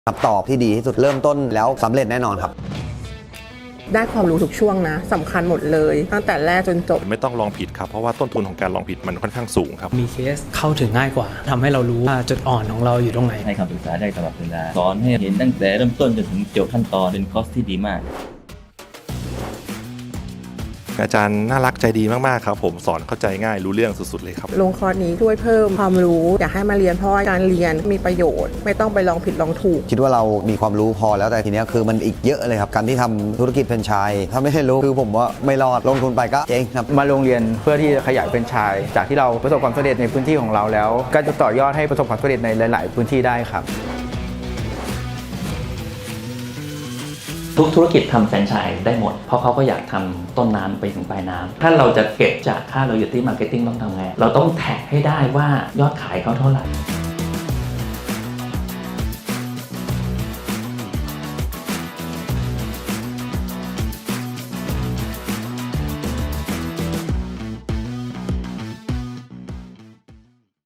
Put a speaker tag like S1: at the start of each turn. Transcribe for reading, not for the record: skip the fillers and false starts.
S1: คำตอบที่ดีที่สุดเริ่มต้นแล้วสำเร็จแน่นอนครับ
S2: ได้ความรู้ทุกช่วงนะสำคัญหมดเลยตั้งแต่แรกจนจบ
S3: ไม่ต้องลองผิดครับเพราะว่าต้นทุนของการลองผิดมันค่อนข้างสูงครับ
S4: มีเคสเข้าถึงง่ายกว่าทำให้เรารู้ว่าจุดอ่อนของเราอยู่ตรงไหน
S5: ให้คำปรึกษาได้ตลอดเวลาสอนให้เห็นตั้งแต่เริ่มต้นจนถึงจบขั้นตอนเป็นคอร์สที่ดีมาก
S3: อาจารย์น่ารักใจดีมากๆครับผมสอนเข้าใจง่ายรู้เรื่องสุดๆเลยครับ
S2: ลงคอร์สนี้ช่วยเพิ่มความรู้อยากให้มาเรียนเพราะว่าการเรียนมีประโยชน์ไม่ต้องไปลองผิดลองถูก
S1: คิดว่าเรามีความรู้พอแล้วแต่ทีนี้คือมันอีกเยอะเลยครับการที่ทำธุรกิจแฟรนไชส์ถ้าไม่ได้รู้คือผมว่าไม่รอดลงทุนไปก็เจ๊งครับ
S6: มาโรงเรียนเพื่อที่จะขยายแฟรนไชส์จากที่เราประสบความสำเร็จในพื้นที่ของเราแล้วก็จะต่อยอดให้ประสบความสำเร็จในหลาย ๆ พื้นที่ได้ครับ
S7: ทุกธุรกิจทำแฟรนไชส์ได้หมดเพราะเขาก็อยากทำต้นน้ำไปถึงปลายน้ำถ้าเราจะเก็บจากค่า loyalty marketing ต้องทำไงเราต้องแท็กให้ได้ว่ายอดขายเขาเท่าไหร่